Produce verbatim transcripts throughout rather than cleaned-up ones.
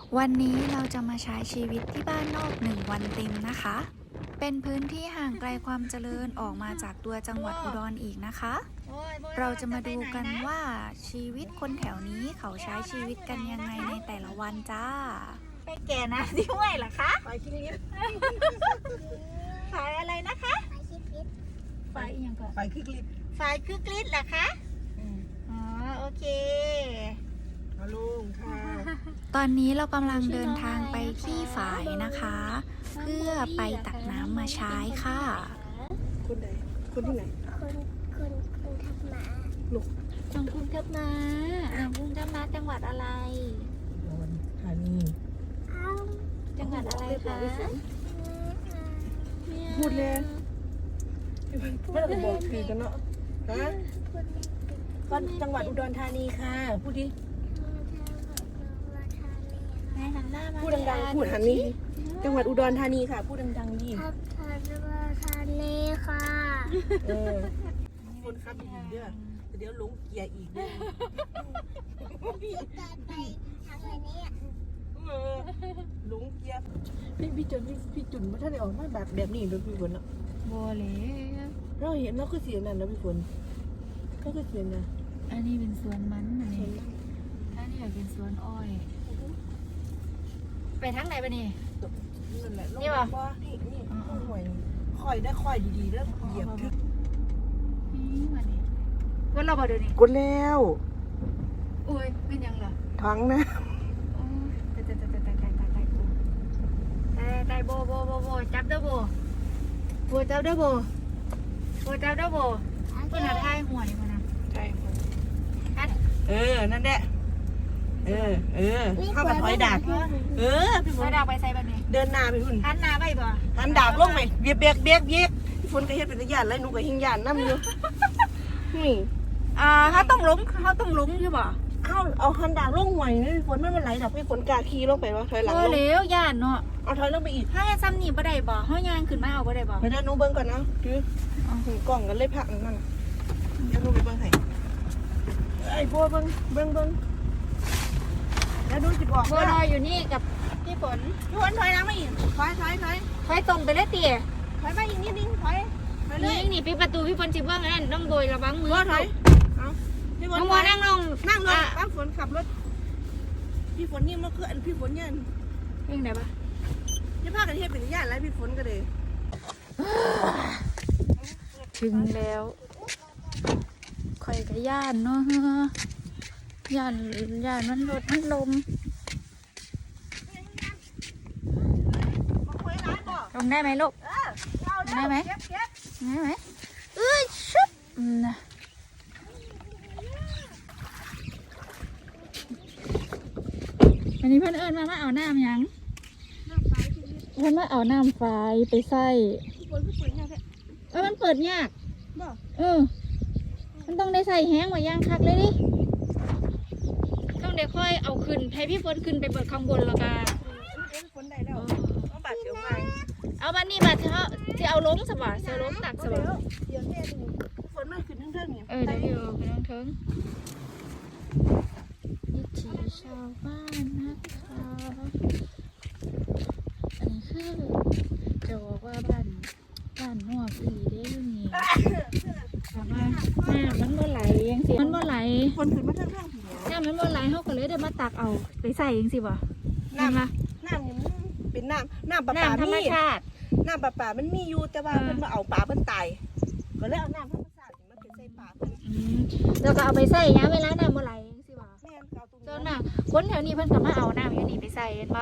วันนี้เราจะมาใช้ชีวิตที่บ้านนอกหนึ่งวันเต็มนะคะ เป็นพื้นที่ห่างไกลความเจริญออกมาจากตัวจังหวัดอุดรอีกนะคะ เราจะมาดูกันว่าชีวิตคนแถวนี้เขาใช้ชีวิตกันยังไงในแต่ละวันจ้าไปแก่นะที่ห้วยเหรอคะไปกินลิฟต์ฝายอะไรนะคะฝายยังก่อนไปคลิกลิฟต์ฝายคือกลิดเหรอคะอ๋อโอเคมาลุงค่ะตอนนี้เรากำลังเดินทางไปที่ฝายนะคะ เพื่อไปตักน้ำมาใช้ค่ะคนไหนคนที่ไหนคนคนคนทับหมาลูกจังคุงทับมาจังคุงทับมาจังหวัดอะไรอุดรธานีเอ้าจังหวัดอะไรคะพูดเลยไม่ต้องบอกปีกันเนาะฮะก็จังหวัดอุดรธานีค่ะพูดดิแม่หันหน้ามาพูดดังๆพูดหันนี้จังหวัดอุดรธานีค่ะพูดดังๆดิทับทับทะเลค่ะเออคนขับดีเด้อเดี๋ยวหลงเกียร์อีกเด้อจะไปทางนี้เออหลงเกียร์พี่พี่จุนพี่พี่จุนว่าถ้าได้ออกมาแบบแบบนี้แบบพี่ฝนเนาะโบเลยเราเห็นเราก็เสียนั่นนะพี่ฝนก็คือเสียนะอันนี้เป็นสวนมันอันนี้อันนี้เป็นสวนอ้อย ไปทางไหนปะนี่นั่นแหละนี่ปะนี่นี่ห่วยคอยได้คอยดีๆแล้วเหยียบทึบนี่มานี่ว่าเราบอดูนี่กดแล้วอุ้ยเป็นยังเหรอทั้งนะโอ้ยตายตายตายตายตายตายตายกูตายตายโบโบโบโบจับเด้อโบโบจับเด้อโบโบจับเด้อโบเพิ่นหาทายหวยมานะใช่อัดเออนั่นแหละเออเออเข้ามาถอยดาบเออพี่ฝไปนดาวไปใส่บัดนี้เดินหน้าไปพุ่นหันหน้าไปบ่หันดาบลงไหมเบียกเบียกเบียกเบียกพี่ฝนก็เฮ็ดเป็นญาติแล้วหนูก็หิงญาติน้ำอยู่นี่อ่าเขาต้องลงเขาต้องลงใช่บ่เอาเอาหันดาบลงห่วยนี่พี่ฝนไม่เป็นไรดอกพี่ฝนกาขี่ลงไปวะถอยหลังโอ้ลงเลี้ยวย่านเนาะเอาถอยลงไปอีกถ้าจะซ้ำนี่บ่ได้บ่เฮาย่างขึ้นมาเอาบ่ได้บ่ไปด้านนู้นเบิ้งก่อนนะคือกล่องกันเลยพักนั่นเดี๋ยวหนูไปเบิ้งให้ไอ้บัวเบิ้งเบิ้งเบิ้งแล้วดูจิบอกบัวลอยอยู่นี่กับพี่ฝนพี่ฝนถอยหลังมาอีกถอยถอยถอยค่อยตรงไปเลยเตี๋ยถอยมาอีกนิดนึงถอยถอยเลนี่ยนี่ปิดประตูพี่ฝนสิเบิ่งนั่นต้องโบยระวังมือบัวถอยเอาพี่ฝนน้องบัวนั่งลงนั่งลงอ่ะป้าฝนขับรถพี่ฝนนี่มันคืออันพี่ฝนเนี่ยยังไงปะนี่พากันเทียบเป็นญาติแล้วพี่ฝนก็เลยถึงแล้วข่อยกับย่านเนาะย่านย่านมันรถมันลมมาคุยร้านบอกลงได้ไหมลูกเออเอาได้ไหมเก็บเก็บได้ไหมเอ้ยชุบอืมนะอันนี้เพื่อนเอิญมามาเอาน้ำยังเพื่อนมาเอาน้ำไฟไปใส่พี่ฝนพี่ฝนเนี่ยแหละเออมันเปิดยากบอกเออ มันต้องได้ใส่แห้งไว้ย่างคักเลยดิ ต้องเดี๋ยวค่อยเอาขึ้นให้พี่ฝนขึ้นไปเปิดข้างบนแล้วก็พี่ฝนได้แล้วเอาบาดเสียวไปเอาบันนี้มาเถอะที่เอาล้มสบายเสือล้มตักสบายเดี๋ยวแม่ดูพี่ฝนมันขึ้นทั้งเรื่องเนี่ยเออเดี๋ยวพี่เอาไปน้องเทิงวิถีชาวบ้านนะคะอันนี้คือจะบอกว่าบ้านบ้านนอกอีเด้อนี่ถามว่าแม่มันเมื่อไหลยังสิมันเมื่อไหลฝนขึ้นมาทั้งเรื่องผีเนี่ยแม่มันเมื่อไหลเขาก็เลยได้มาตักเอาไปใส่ยังสิบ่น้ำละน้ำเนี่ยมันเป็นน้ำน้ำปลาปลาน้ำธรรมมีชาติน้ำปลาปลามันมีอยู่แต่ว่าเพิ่นมาเอาปลาเพิ่นตายก็เลยเอาน้ำธรรมชาติมาเป็นใส่ปลาเพิ่นอืมแล้วก็เอาไปใส่ยามเวลาน้ำเมื่อไหลยังสิบ่แม่นเกาตรงส่วนนี้มากคนแถวนี้เพิ่นก็มาเอาน้ำอยู่นี่ไปใส่เห็นปะ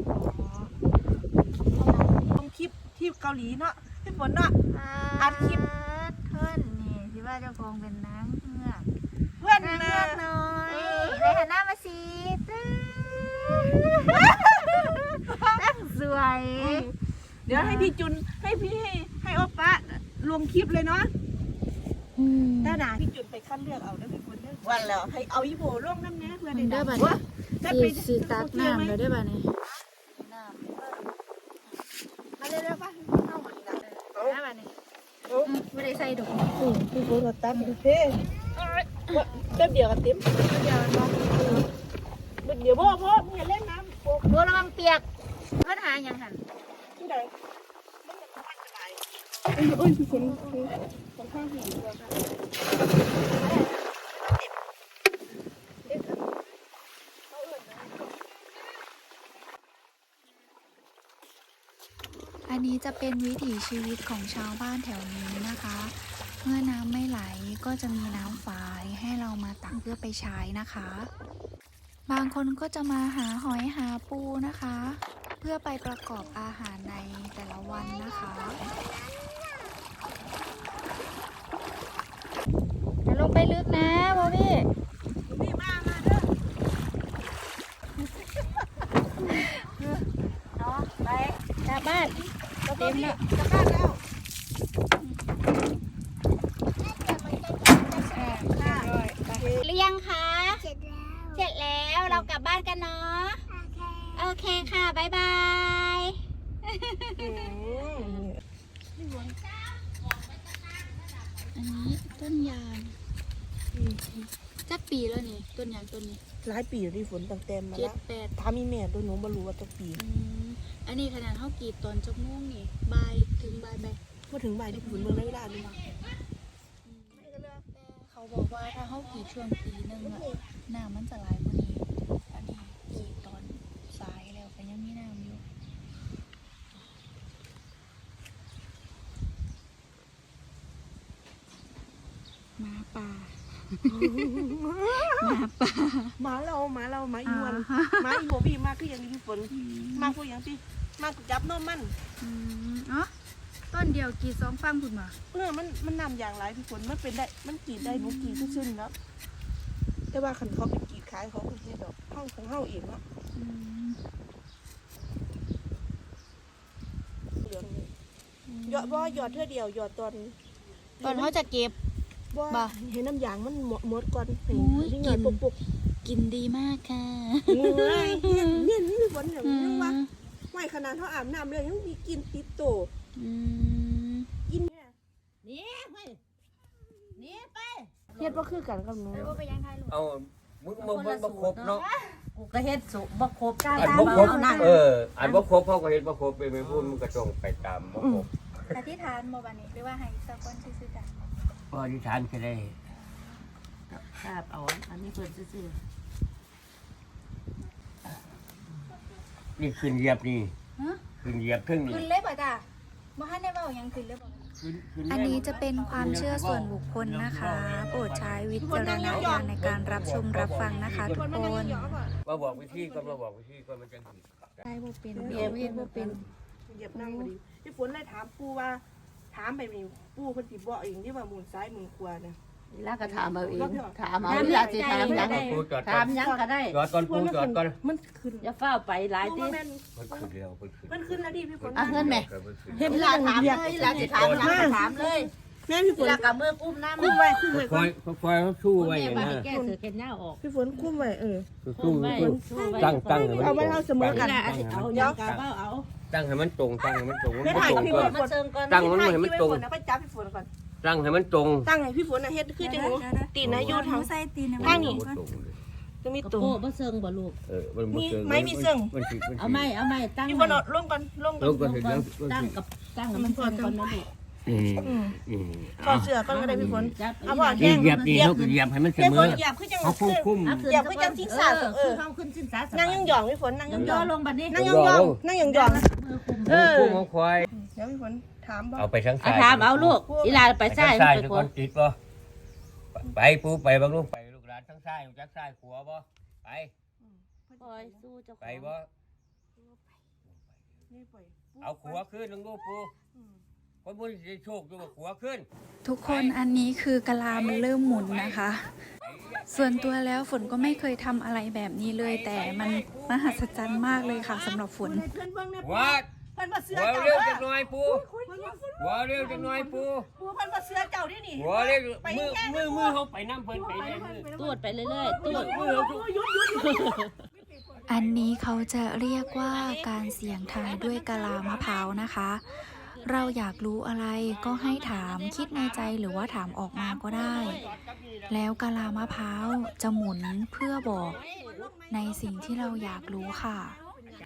ต้องคลิปที่เกาหลีเนาะพี่ฝนเนาะ อัดคลิปเพิ่นนี่สิว่าเจ้าของเป็นนางเงือกเพื่อนนางนะเงือกน้อยไปหันหน้ามาสิตั้งสวยเดี๋ยวให้พี่จุนให้พี่ให้ให้โอปะลงคลิปเลยเนาะถ้าหนาพี่จุนไปคัดเลือกเอาได้พี่ฝนเด้อวันแล้วให้เอาอีโบลงน้ำแน่เพื่อนมันได้ได้ดับังดว่านี้สิสิตักน้ำแล้วได้บัดนี้น้ำมาเร็วๆป่ะเข้ามาอีกนะเอาได้บัดนี้เอาอืมไม่ได้ใส่ดอกอืมพี่ฝนก็ตัดดูเพ่แป๊บเดียวก็เต็มเดี๋ยวมันบอกเดี๋ยวพ่อพ่อมึงอย่าเล่นน้ำโป๊กบัวหายังหันที่ใดโอ้ยโอ้ยพี่ฝนฝนข้างหินตัวค่ะอันนี้จะเป็นวิถีชีวิตของชาวบ้านแถวนี้นะคะ เมื่อน้ำไม่ไหลก็จะมีน้ำฝายให้เรามาตักเพื่อไปใช้นะคะ บางคนก็จะมาหาหอยหาปูนะคะ เพื่อไปประกอบอาหารในแต่ละวันนะคะจะลงไปลึกนะบอบี้นี่มามาเด้อเนาะไปกลับบ้านก็เต็มแล้วจะบ้านแล้วหรือยังคะเสร็จแล้วเสร็จแล้วเรากลับบ้านกันเนาะโอเคโอเคค่ะบ๊ายบาย อันนี้ต้นยางจักปีแล้วนี่ต้นยางต้นนี้หลายปีแล้วที่ฝนตั้งแต่มาเจ็ดแล้วแปดถามอีแม่ตัวหนูบ่รู้ว่าจักปีอืมอันนี้ขนาดเท่ากีดตอนจกม่วงนี่บายถึงบายแบบมาถึงบ่ายที่ฝนเมืองได้เวลาดูมาเขาบอกว่าถ้าเขากรีดช่วงปีหนึ่งอะน้ำมันจะไหลกว่านี้ อันนี้กรีดตอนสายแล้วก็ยังมีน้ำอยู่ หมาป่า หมาป่าหมาเราหมาเราหมาอีวันหมาอีโบบี้มาคืออย่างนี้พี่ฝนมาพวกอย่างที่มาจับนมมันอืมอ๋อต้นเดียวกรีดสองฟังคุณมาเออมันมันนำอย่างไรพี่ฝนมันเป็นได้มันกรีดได้หนูกรีดซื่อๆแล้วแต่ว่าคันเขาไปกรีดขายเขาคือเฮ็ดดอกเฮาของเฮาเองเนาะอืมเหลืองนี่หยอดบ่หยอดเท่าเดียวหยอดตอนตอนเขาจะเก็บบ่บ่เห็นน้ำยางมันหมดหมดก่อนให้โอ้ยที่หยอดกินปุกกินดีมากค่ะๆงูเอ้ยเนี่ยเนี่ยนี่พี่ฝนอย่างนี้ว่าไม่ขนาดเท่าอาบน้ำเลยยังมีกลินติดโตอืมกินเนี่ยนี่ไปนี่ไปเฮ็ดบ่คือกันกับหนูแล้วก็ไปยังไทยลูกเอามึงมึงมึงบ่ครบเนาะกูก็เฮ็ดสุบ่ครบอันบ่ครบเอออันบ่ครบเขาก็เฮ็ดบ่ครบไปไม่พูดมันก็ต้องไปตามบ่ครบอธิษฐานโมบันนี้หรือว่าให้สักคนซื่อๆจ้ะพออธิษฐานก็ได้คาบเอาอันนี้เพิ่นซื่อนี่ขึ้นเหยียบนี่ฮะขึ้นเหยียบเครื่องนี่ขึ้นเลยป่ะจ้ะบ่ทันได้เว้าหยังขึ้นเลยบ่ขึ้นขึ้อันนี้จะเป็นความเชื่อส่วนบุคคลนะคะ โปรดใช้วิจารณญาณในการรับชมรับฟังนะคะทุกคนมาบอกวิธีก่อนมาบอกวิธีก่อนมันจะผิดได้บ่เป็นเดี๋ยวเฮ็ดบ่เป็นเหยียบนั่งพอดีพี่ฝนเลยถามปู่ว่า ถามไปนี่ปู่เพิ่นสิบอกเองที่ว่าหมุนซ้ายหมุนขวาน่ะๆแล้วก็ถามเอาเองถามเอาเวลาสิถามหยังปูจอดก่อถามนหยังก็ได้จอดก่อนปูจอดก่อนมันขึ้นอย่าเฝ้าไปหลายปู่ติว่าแม่นมันขึ้นแล้วมันขึ้นมันขึ้นแล้วดิพี่ฝนอ่ะเงินแม่เฮ็ดเวเวลาลาถาถาม มเลเลย ยเวลาสิถามหยังก็ถามเลยแม่พี่ฝเวน ลากับมือกุ้มน้ำคุ้มไว้คุ้มไว้ก่ค่ออน ยค่อยเขาสู้ไว้แม่อย่างว่านั้ให้นแก้เสือเข็นหน้าออกพี่ฝนคุ้มไว้เออสู้ไว้สู้สู้ไว้ตั้งตั้งให้มันเอาไว้เท่าเสมอกันเวลาสิเอาหยังก็เว้าเอาตั้งให้มันตรงตั้งให้มันตรงมันไม่บ่ถ่ายตรงพี่ก่ฝอนนมาเชิงก่อนตั้งมันให้มันตรงแล้วก็จับพี่ฝนก่อนตั้งให้มันตรงตั้งให้พี่ฝนน่ะเฮ็ดคือจังหนูตีนนะอยู่ทางใส่ตีนทางนี้บ่ตรงเลยจะมีกระตุ่มโปะบ่เชิงบ่ลูกเออมันบ่เชิงมีไม้มีเชิงมันสิมันสิเอาไม้เอาไม้ตั้งพี่ฝนเอาลงก่อนลงก่ลอนงก่อนเห็นแล้วตั้งกับตั้งกับมันเชิงก่อนนะลูกอืมอืมอืมถอดเสื้อก่อนก็ได้พี่ฝนจับเอาบ่นี่เหยียบนี่เขาก็เหยียบให้มันเสพี่มฝอนเหยียบคือจังเขาคุ้มคุ้มเอาขึ้นอย่าเพิ่งจังศีรษะเออเออคือเฮาขึ้นสิ้นสาสนั่งยองยองพี่ฝนนั่งยองยย่ออง ลงบัดนี้นั่งยองยองนั่งยองยองมือคุมเออคุ้มของควายเดี๋ยวพี่ฝนถามบ่เอาไปทั้งเอาสายถามเอาลูกอีหลาไปไปใส่ทั้งสายไปทุกคคน นติดบ่ไปปูไปบางลูกไปลูกหลานทั้งสายจักสายขัวบ่ไปคอยสู้เจ้าไปบ่นี่ปล่อยเอาขัวขึ้นลงลูกปูคนบุญสิโชคอยู่ว่าขัวขึ้นทุกคนอันนี้คือกะลามันเริ่มหมุนนะคะ ส่วนตัวแล้วฝนก็ไม่เคยทำอะไรแบบนี้เลย แต่มันมหัศจรรย์มากเลยค่ะสำหรับฝนเพื่อนเบิ่งเนี่ยหัวเพิ่นมาเสือหัวเจ้าเร็วเด้จัอกหน่อยปูเพิ่นมาหัวเร็วจักหน่อยปูปูเพิ่นมาเสือเจ้าดินี่หัวเร็วมือมือมือเขาไปน้ำเพิ่นไปเนี่ยมือตรวจไปเรื่อยๆตรวจมือเขาหยุดหยุดหยุดอันนี้เขาจะเรียกว่าการเสี่ยงทายด้วยกะลามะพร้าวนะคะ เราอยากรู้อะไรก็ให้ถามคิดในใจหรือว่าถามออกมาก็ได้ แล้วกะลามะพร้าวจะหมุนเพื่อบอกในสิ่งที่เราอยากรู้ค่ะจั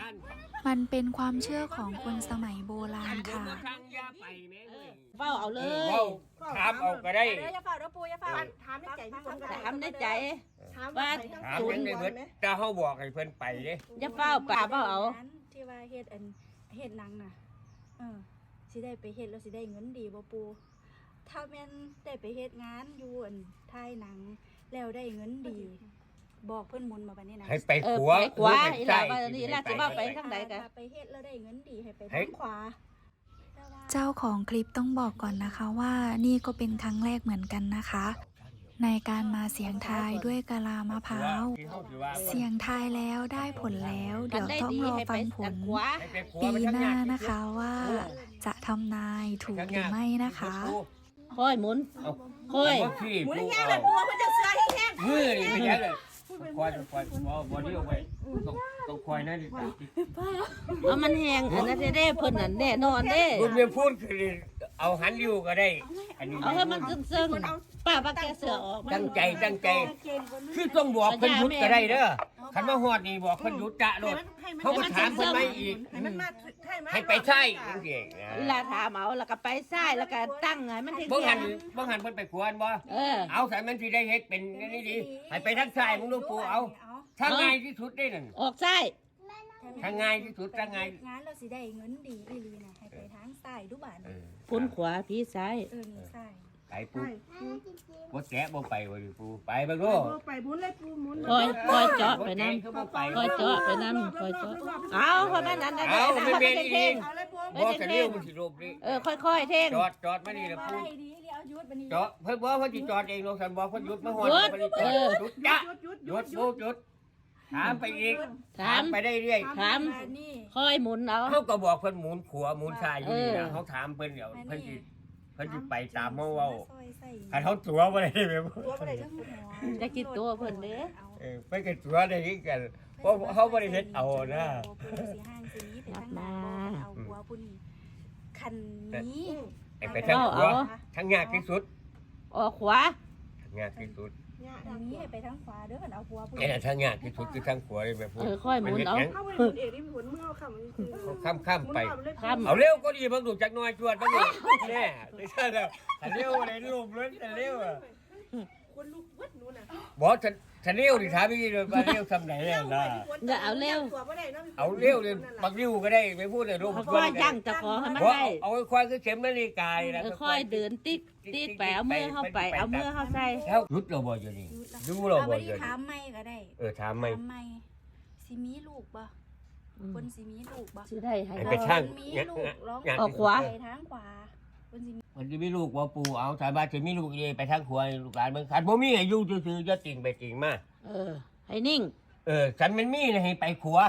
ท่านมันเป็นความเชื่อของคนสมัยโบราณค่ะทางยาไปแม่เว้ยเฝ้าเอาเลเออย เว้าถามเอาก็ได้เดี๋ยวอย่าเฝ้าเด้อปูอย่าเฝ้าถามในใจพี่ฝนก็ได้ทำในใจถามว่าถามยังได้เบิดถ้าเฮาบอกให้เพิ่นไปเด้อย่าเฝ้าป่าเฝ้าเอาที่ว่าเฮ็ดอันเฮ็ดหนังน่ะเออสิได้ไปเฮ็ดแล้วสิได้เงินดีบ่ปูถ้าแม่นได้ไปเฮ็ดงานอยู่อันถ่ายหนังแล้วได้เงินดี บอกเพิ่นหมุนมาบัดนี้นะให้ไปเออขัวไปขวาหอีรือหไปล่าซ้ายว่านี่ล่ะสิว่าไปทางใดกันถ้าไปเฮ็ดแล้วได้เงินดีให้ไปให้ทางขวาแต่ว่าเจ้าของคลิปต้องบอกก่อนนะคะว่านี่ก็เป็นครั้งแรกเหมือนกันนะคะ ในการมาเสียงทายด้วยกะลามะพร้าว เสียงทายแล้วได้ผลแล้ว เดี๋ยวต้องรอฟังผลขวาให้ไปขัวปีไปทางหน้าญาตินะคะว่าจะทำนายถูกหรือไม่นะคะค่อยหมุนเอาค่อยเอาขี้หมุนปูแห้งเอาเลยปูมันจะเสื้อแห้งมือนี่เป็นยังไงคอยคอยบ่บ่เดียวไปต้องต้องคอยนะดิเอามันแห้งอันนั้นจะได้เพิ่นนั่นแน่นอนเด้คุณเมียพูดคือเอาหันริ้วก็ได้ อันนี้เอาให้มันซึ้งๆป้าว่าแกเสือออกตั้งใจตั้งใจ คือต้องบอกเพิ่นหยุดก็ได้เด้อคันมาฮอดนี่บอกเพิ่นหยุดจะโลดเขาก็ถามเพิ่นไม่อีกให้มันมาให้มาให้ไปใช่จังซี่เวลาถามเอาแล้วก็ไปซ้ายแล้วก็ตั้งไงมันถึงบ่หันบ่หันเพิ่นไปขวนบ่เออเอาใส่มันสิได้เฮ็ดเป็นนี่ดีให้ไปทางซ้ายมึงดูปูเอาทางง่ายที่สุดได้นั่นออกซ้ายทางง่ายที่สุดทางง่ายงานเราสิได้เงินดีอีหลีนะให้ไปทางซ้ายดูบ้านเออพุ่นขวาพี่ซ้ายเออนี่ซ้ายไปปูบ่แกะบ่ไปบ่ดิปูไปเบิ่งดูไปหมุนเลยปูหมุนคอยคอยเจาะไปนั่นคือบ่ไปคอยเจาะไปนั่นคอยเจาะเอาเพราะนั้นนั่นนั่นเอาไม่เป็นเท่งเอาเลยปูบ่จะเลี้ยวมันสิลบดิเออค่อยๆเท่งจอดจอดมานี่ละปูไปดีเดี๋ยวหยุดบัดนี้จอดเพิ่นบ่เพิ่นสิจอดเองลงสันบ่เพิ่นหยุดมาฮอดหยุดเพิ่นสิจอดเออหยุดจ้ะหยุดหยุดปูหยุดถามไปอีกถามไปได้เรื่อยถามอันนี้ค่อยหมุนเอาเขาก็บอกเพิ่นหมุนขวาหมุนซ้ายอยู่นี่เอนะอเขาถามเพิ่นเดี๋ยวอันเพิ่นนี้สิเพิ่นสิไปตามเมาเว้าซอยใส่คันเขาตัวบ่ได้แม่ตัวอะไรเรื่องหัวจะกินตัวเพิ่นเด้เอาเออเพิ่นก็ตัวได้คือกันเพราะเขาบ่ได้เฮ็ดเอานะปูสีห้างสีนี้ไปทางนั้นเอาหัวปุ่นคันนี้ให้ไปทางขวาทางยากที่สุดออกขวาทางยากที่สุดทางนี้ให้ไปทางขวาเด้อคันเอาหัวปุ่นไอ้น่ะทางยากที่สุดคือทางขวาเลยแม่พูดเออค่อยหมุนเอาเข้าไปหมุนเอกที่หมุนเมื่อคำนี้คือเขาข้ามๆไปข้ามเอาเร็วก็ดีเบิ่งดูจักหน่อยจวดเบิ่งดูแน่ไม่ใช่แล้วถ้าเร็วอะไรรูปเลยถ้าเร็วอ่ะคนลูกวัดนู้นน่ะบ่ถ้าถ้าเร็วนี่ถามอีกเลยว่าเร็วทำไหนแล้วล่ะ เอาเร็วเลยบักริ้วก็ได้ไม่พูดเลยรูปค่อยย่างเจะขอให้มันบ่ได้เอาควายคือเข็มนาฬิกานี่นะเออค่อยเดินติ๊กติ๊กไปเอามือเข้าไปเอามือเข้าใส่แล้วหยุดเราบ่อยู่นี่ดูเราเอาบ่ไปอยู่ที่นี่ถามไม่ก็ได้เออถามไหมถามไม่สิมีลูกบ่คนสิมีลูกบ่สิได้ให้ให้ไปช่างมีเนี่ยลูกร้องเนี่ยออกขวาไปทางขวาคนสิมีมันจะมีลูกบ่ปู่เอาถามว่าจะมีลูกเยไปทางขวาลูกหลานเบิ่งคันบ่มีให้อยู่ซื่อๆจะติ่งไปติ่งมาเออให้นิ่งเออฉันมันมีนะให้ไปขวา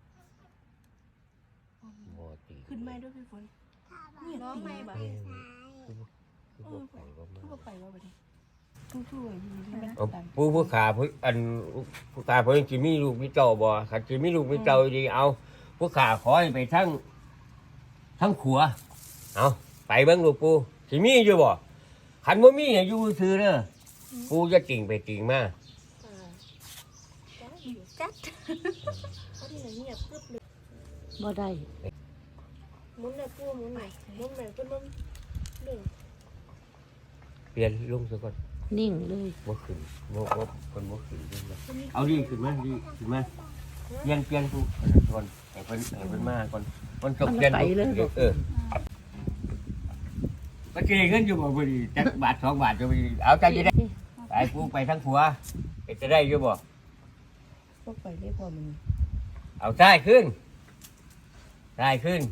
บ่ติ่งขึ้นไม่ด้วยพี่ฝนร้องไม่บ่เออคือบ่ไปบ่มาก็ไปว่าไปดิผู้ช่วยที่มันเอาผู้ผู้ขาผู้อันผู้ขาเพิ่นสิมีลูกมีเต้าบ่คันสิมีลูกมีเต้าดีเอาผู้ขาขอให้ไปทางทางขวาเอาไปเบิ่งลูกปู่สิมีอยู่บ่คันบ่มีให้อยู่ซื่อเด้อปู่จะติ่งไปติ่งมาจัดเขาที่ไหนเงียบปึ๊บเลยบ่ได้หมุนเลยปูหมุนเลยหมุนเลยก็ล้มเด้งเปลี่ยนลงซะก่อนนิ่งเลยบ่ขึ้นบ่บ่คนบ่ขึ้นขึ้นมาเอาดีขึ้นมาดีขึ้นมาเปลี่ยนเปลี่ยนทุกอันนั้นก่อนให้เพิ่นให้เพิ่นมาก่อนมันจบเปลี่ยนทุกเออมันสิได้เงินอยู่บ่บ่ดีจักบาทสองบาทจะบ่ดีเอาใจจะได้ไปกูไปทางขวาไปจะได้อยู่บ่ก็ไปได้พอมันเอาซ้ายขึ้นซ้ายขึ้น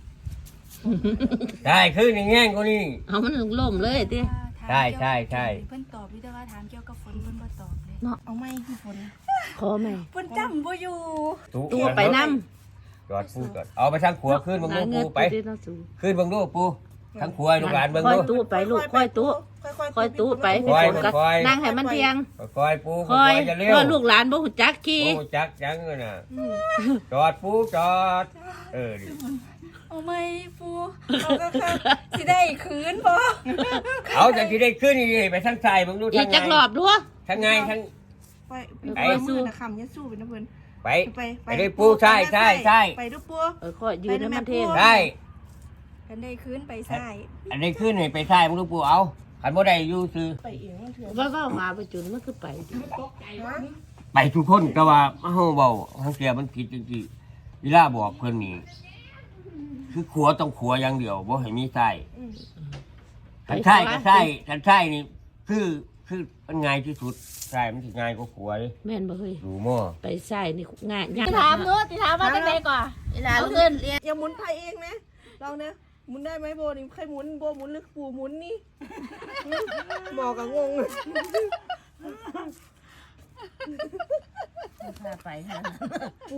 ซ้ายขึ้นอย่างแง่งกว่านี้เอามันล่มเลยติใช่ใช่ใช่เพิ่นตอบอยู่แต่ว่าถามเกี่ยวกับฝนเพิ่นบ่ตอบเลยเอาไม่พี่ฝนขอไหมเพิ่นจำบ่อยู่ตัวไปนำจอดปูจอดเอาไปทางขวาขึ้นเบังดูปูไปขึ้นเบังดูปูทางขวาลูกหลานเบังค่อยดูตู้ไปลูกค่อยตู้ค่อยตู้ไปพี่ฝนก็นั่งให้มันเทียงคอยปูคค่ออยยจะเร็วว่าลูกหลานบ่ฮู้จักขี่ปูจักจังเลยน่ะจอดปูจอดเออดิเอาไม่ปูเอาก็คือสิได้คืนบ่เอาแต่ที่ได้ขึ้นนี่ไปทางซ้ายเบังดูอีทาก งไงจักรอบดูทางไงทางไปไปมือนะคำยัดสู้ไปนะเพื่อนไปไปไปเลยปูใช่ใช่ใช่ไปดูปูเออข้อยยืนให้มันเท่ใช่กันได้คืนไปใส่อันนี้ขึ้นให้ไปใช่มึงลูกปูเอาขันบ่ได้อยู่ซื้อไปเองมันเถื่อนว่าก็มาไปจุนมันคือไปไปทุกคนแต่ว่าเฮาเบาทางเสียมันผิดจริงๆเวลาบอกเพิ่นนี่คือขัวต้องขัวอย่างเดียวบ่ให้มีไส้ขันไส้ก็ไส้ขันไส้นี่คือคือมันง่ายที่สุดไส้มันสิง่ายกว่าขัวเด้แม่นบ่เฮ้ยดูหม้อไปใส่นี่ง่ายยากถามนู้ติถามว่าจังไดก่อนเวลาเงินเรียนอย่าหมุนไทยเองนะลองนะหมุนได้ไหมโบนี่ใครหมุนโบหมุนหรือปูหมุนนี่หมอกับงงพาไปฮะ